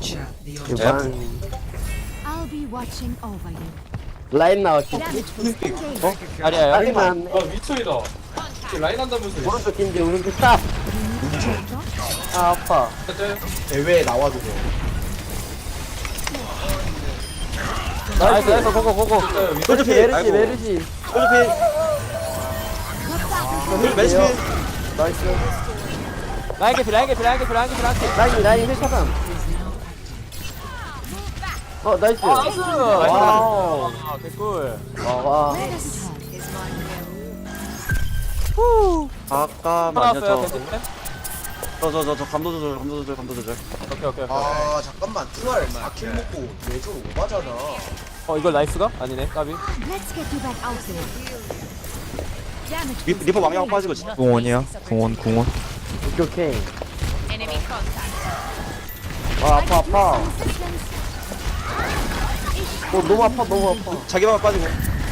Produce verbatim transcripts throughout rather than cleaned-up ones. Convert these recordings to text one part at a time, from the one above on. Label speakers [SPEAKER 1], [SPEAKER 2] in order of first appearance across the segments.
[SPEAKER 1] Capture the
[SPEAKER 2] 이거
[SPEAKER 1] objective.
[SPEAKER 2] 방
[SPEAKER 3] I'll be watching over you.
[SPEAKER 2] 라인 나왔지.
[SPEAKER 3] Damage was engaged.
[SPEAKER 2] 어?
[SPEAKER 4] 아니야
[SPEAKER 2] 라인 나왔네.
[SPEAKER 5] 아 미쳐이다. 라인 한다면서.
[SPEAKER 2] 오른쪽 긴지 오른쪽 탑. 아 아파.
[SPEAKER 6] 대회에 나와도 돼.
[SPEAKER 4] 나이스 나이스 고고 고고
[SPEAKER 2] 솔직히 메르시 메르시.
[SPEAKER 6] 솔직히 메르시
[SPEAKER 2] 나이스.
[SPEAKER 4] 라인 개피 라인 개피 라인 개피 라인 개피 라인 개피
[SPEAKER 2] 라인 라인 힐차단. 어 나이스.
[SPEAKER 4] 나이스
[SPEAKER 2] 와우.
[SPEAKER 4] 아 개꿀
[SPEAKER 2] 와.
[SPEAKER 3] Where does it hurt?
[SPEAKER 6] 잠깐만요.
[SPEAKER 4] 나왔어요
[SPEAKER 6] 저
[SPEAKER 4] 벤츠
[SPEAKER 6] 저 저 저 저 감도 조절 감도 조절 감도 조절.
[SPEAKER 4] 오케이 오케이 오케이
[SPEAKER 6] 아 잠깐만 투알 사 킬 먹고 내줄 오바잖아.
[SPEAKER 4] 어 이걸 나이스가? 아니네 까비
[SPEAKER 3] Let's get you back out there. Damage
[SPEAKER 6] 리,
[SPEAKER 3] was
[SPEAKER 6] 리퍼 망령
[SPEAKER 3] engaged.
[SPEAKER 6] 빠지고 진짜.
[SPEAKER 7] 궁원이야? 궁원 궁원.
[SPEAKER 2] 오케이 오케이. 아 아파 아파.
[SPEAKER 3] Assistance.
[SPEAKER 2] 어 너무 아파 너무 아파.
[SPEAKER 6] 자기만 빠지고.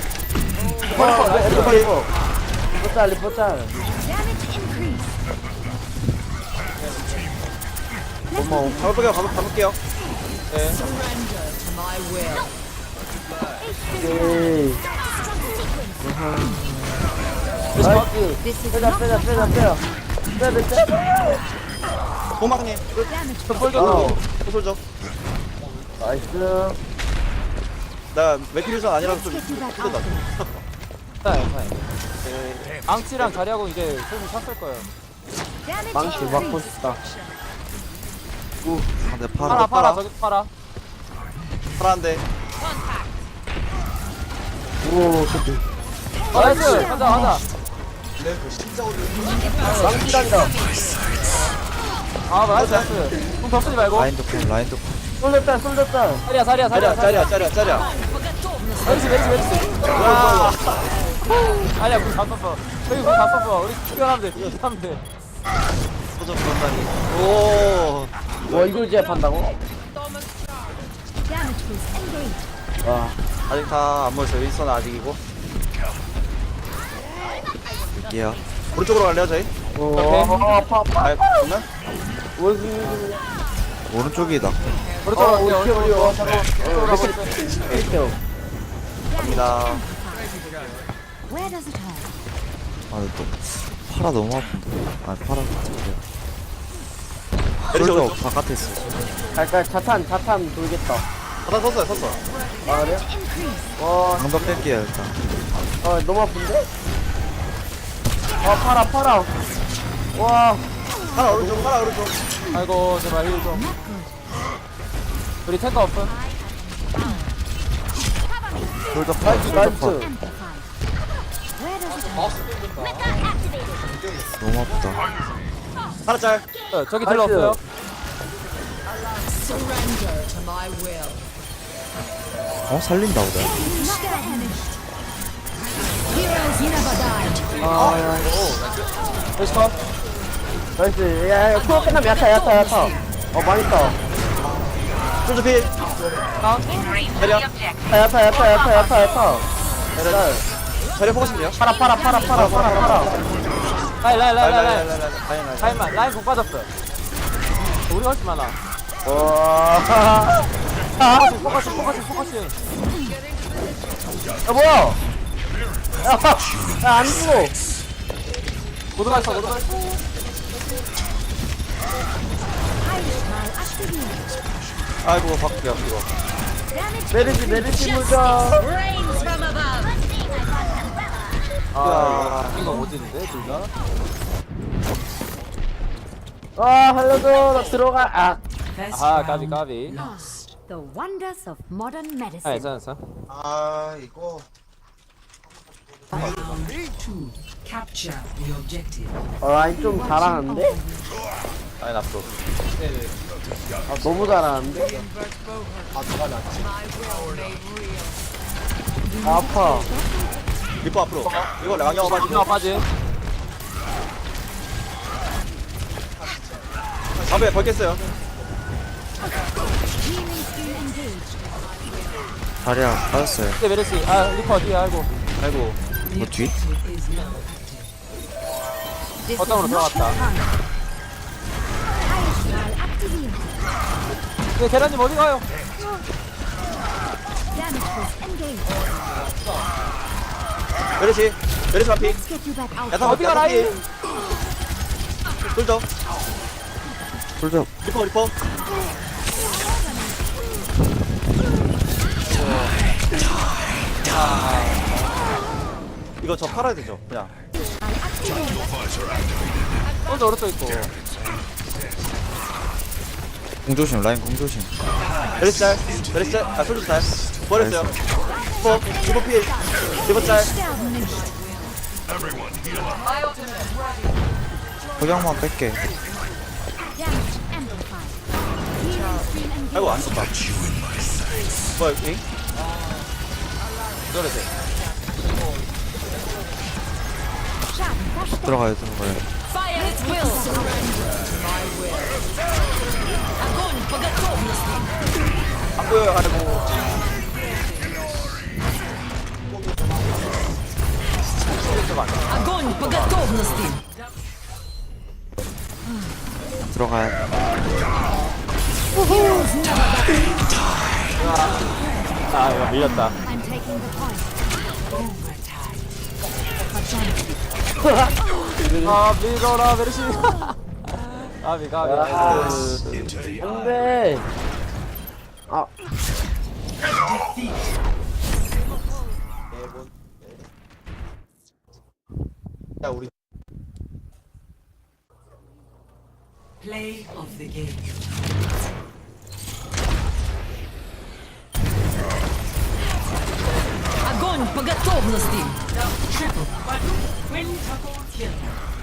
[SPEAKER 2] 와 리퍼 리퍼. 리퍼짤 리퍼짤.
[SPEAKER 3] Damage increase.
[SPEAKER 2] 고마워.
[SPEAKER 6] 가볼게요 가볼 가볼게요.
[SPEAKER 4] 네
[SPEAKER 2] 오케이. 나이스.
[SPEAKER 3] This is
[SPEAKER 2] 빼자
[SPEAKER 3] not
[SPEAKER 2] 빼자 빼자 빼자. 빼자 빼자.
[SPEAKER 6] 호망님
[SPEAKER 3] damage.
[SPEAKER 4] 폴저도
[SPEAKER 6] 소솔죠.
[SPEAKER 2] 나이스.
[SPEAKER 6] 나 맥키류전 아니라서
[SPEAKER 3] Let's
[SPEAKER 6] 좀
[SPEAKER 3] get you back out
[SPEAKER 6] 힘들다.
[SPEAKER 3] there.
[SPEAKER 4] 괜찮아요 괜찮아요 앙치랑 자리하고 이제 슬슬 찼을 거예요
[SPEAKER 3] Damage
[SPEAKER 2] 망치 막고
[SPEAKER 3] increase.
[SPEAKER 2] 싶다.
[SPEAKER 7] 근데
[SPEAKER 4] 팔아
[SPEAKER 7] 팔아.
[SPEAKER 4] 팔아 저기 팔아
[SPEAKER 6] 파란데.
[SPEAKER 2] 오 좋지.
[SPEAKER 4] 나이스 가자 가자
[SPEAKER 2] 망치단이다.
[SPEAKER 4] 아 나이스 나이스 공 덮쓰지 말고
[SPEAKER 7] 라인도 쿵 라인도 쿵.
[SPEAKER 2] 솔졌다 솔졌다.
[SPEAKER 4] 사리야 사리야 사리야
[SPEAKER 6] 짜리야 짜리야 짜리야.
[SPEAKER 4] 왼치 왼치 왼치 와 아니야 공다 썼어 저기 공다 썼어 우리 뛰어나면 돼 뛰어나면 돼
[SPEAKER 6] 소전 그런다니. 오.
[SPEAKER 2] 와 이걸 제압한다고?
[SPEAKER 3] Damage was engaged.
[SPEAKER 2] 와.
[SPEAKER 6] 아직 다 안 모였어요. 윈스턴 아직이고.
[SPEAKER 7] 얘야.
[SPEAKER 6] 오른쪽으로 갈래요 저희?
[SPEAKER 2] 오 아파 아파.
[SPEAKER 6] 아 그러면?
[SPEAKER 2] 원숭이.
[SPEAKER 7] 오른쪽이다.
[SPEAKER 4] 오른쪽
[SPEAKER 2] 어
[SPEAKER 4] 갈게요
[SPEAKER 2] 우리 우리 와 잠깐.
[SPEAKER 4] 오른쪽
[SPEAKER 2] 이렇게.
[SPEAKER 6] 갑니다.
[SPEAKER 3] Where does it hurt?
[SPEAKER 7] 아 근데 또 팔아 너무 아픈데. 아 팔아 진짜.
[SPEAKER 6] 메르시
[SPEAKER 7] 솔저
[SPEAKER 6] 오른쪽.
[SPEAKER 7] 바깥에 있어.
[SPEAKER 2] 갈까 자탄 자탄 돌겠다.
[SPEAKER 6] 바닥 섰어요 섰어.
[SPEAKER 2] 아 그래? 와.
[SPEAKER 7] 방벽 뺄게요 일단.
[SPEAKER 2] 아 너무 아픈데? 아 팔아 팔아. 와.
[SPEAKER 6] 하나 오른쪽 하나 오른쪽.
[SPEAKER 4] 아이고 제발 힐좀 우리 탱커 없음
[SPEAKER 7] 솔저 파.
[SPEAKER 2] 나이스
[SPEAKER 7] 솔저 파.
[SPEAKER 2] 나이스.
[SPEAKER 3] Amplified. Where does it hurt?
[SPEAKER 7] 너무 아프다.
[SPEAKER 6] 하나 짤.
[SPEAKER 4] 어, 저기
[SPEAKER 2] 나이스.
[SPEAKER 4] 딜러 없어요
[SPEAKER 7] 어 살린다 보다.
[SPEAKER 3] Not damaged. Heroes never die.
[SPEAKER 2] 아 야.
[SPEAKER 4] 렛츠 컷
[SPEAKER 2] 나이스. 야야 코어 끝나면 야타 야타 야타. 어 망했다.
[SPEAKER 6] 솔저 필.
[SPEAKER 4] 다운
[SPEAKER 6] 자리야.
[SPEAKER 2] 야타 야타 야타 야타 야타 야타. 자,
[SPEAKER 6] 자리야 포커싱이요.
[SPEAKER 2] 팔아 팔아 팔아 팔아 팔아 팔아.
[SPEAKER 4] 라인 라인 라인 라인 라인
[SPEAKER 6] 라인 라인.
[SPEAKER 4] 라인만 라인 공 빠졌어 우리 훨씬 많아
[SPEAKER 2] 와.
[SPEAKER 4] 포커싱 포커싱 포커싱 포커싱
[SPEAKER 2] 야 뭐야? 야안 죽어.
[SPEAKER 4] 모두 갔어 모두 갔어
[SPEAKER 6] 아이고 바꿀게요 이거.
[SPEAKER 2] 메르시 메르시 물자.
[SPEAKER 4] 아 이거 오지는데 둘다
[SPEAKER 2] 아 살려줘 나 들어가. 아.
[SPEAKER 1] First
[SPEAKER 4] 아
[SPEAKER 1] round
[SPEAKER 4] 까비 까비
[SPEAKER 1] lost.
[SPEAKER 3] The wonders of modern
[SPEAKER 4] 아
[SPEAKER 3] medicine.
[SPEAKER 4] 괜찮아 괜찮아
[SPEAKER 6] 아 이거.
[SPEAKER 1] Round two. Capture the objective.
[SPEAKER 2] 어, 라인 좀 잘하는데?
[SPEAKER 6] 라인 앞으로.
[SPEAKER 2] 아 너무 잘하는데? 아 아파.
[SPEAKER 6] 리퍼 앞으로. 이거 랑영 빠지고.
[SPEAKER 4] 나 빠지
[SPEAKER 6] 담배 벌겠어요.
[SPEAKER 3] Healing skill engaged.
[SPEAKER 7] 다리야 빠졌어요.
[SPEAKER 4] 이제 메르시 아 리퍼 뒤에 아이고
[SPEAKER 6] 아이고.
[SPEAKER 7] 뭐 뒤?
[SPEAKER 1] Is not
[SPEAKER 3] This
[SPEAKER 4] 어떤
[SPEAKER 3] is
[SPEAKER 4] 으로
[SPEAKER 3] not
[SPEAKER 4] 들어갔다
[SPEAKER 3] your time. Fire style activated.
[SPEAKER 4] 네, 계란님 어디 가요?
[SPEAKER 3] Damage boost engaged.
[SPEAKER 6] 메르시 메르시 마피
[SPEAKER 3] Let's get you back out.
[SPEAKER 6] 야타
[SPEAKER 4] 어디가 라인?
[SPEAKER 6] 솔져
[SPEAKER 7] 솔저
[SPEAKER 6] 리퍼 리퍼 이거 저 팔아야 되죠 그냥
[SPEAKER 3] I activate.
[SPEAKER 4] 혼자 오른쪽 있고.
[SPEAKER 7] 공조심 라인 공조심.
[SPEAKER 6] 메르시 짤 메르시 짤아 솔져 짤 버렸어요 리퍼 리퍼 필 리퍼 짤
[SPEAKER 3] Down nicht.
[SPEAKER 7] 석양만 뺄게.
[SPEAKER 3] Damage amplified. Healing stream engaged.
[SPEAKER 6] 아이고 안 썼다 뭐야 잉?
[SPEAKER 4] 저래서.
[SPEAKER 3] Schaden verstärkt.
[SPEAKER 7] 들어가요 들어가요.
[SPEAKER 3] Fire at will. Огонь по готовности.
[SPEAKER 6] 안 보여요 아이고
[SPEAKER 3] Огонь по готовности.
[SPEAKER 7] 들어가요.
[SPEAKER 4] 아, 이거 밀렸다.
[SPEAKER 3] I'm taking the point.
[SPEAKER 4] 아, 밀어라, 메르시. 아, 미가, 미.
[SPEAKER 2] 안돼. 아
[SPEAKER 6] 야 우리
[SPEAKER 1] Play of the game.
[SPEAKER 3] Огонь по готовности.
[SPEAKER 1] Triple. Quintuple kill.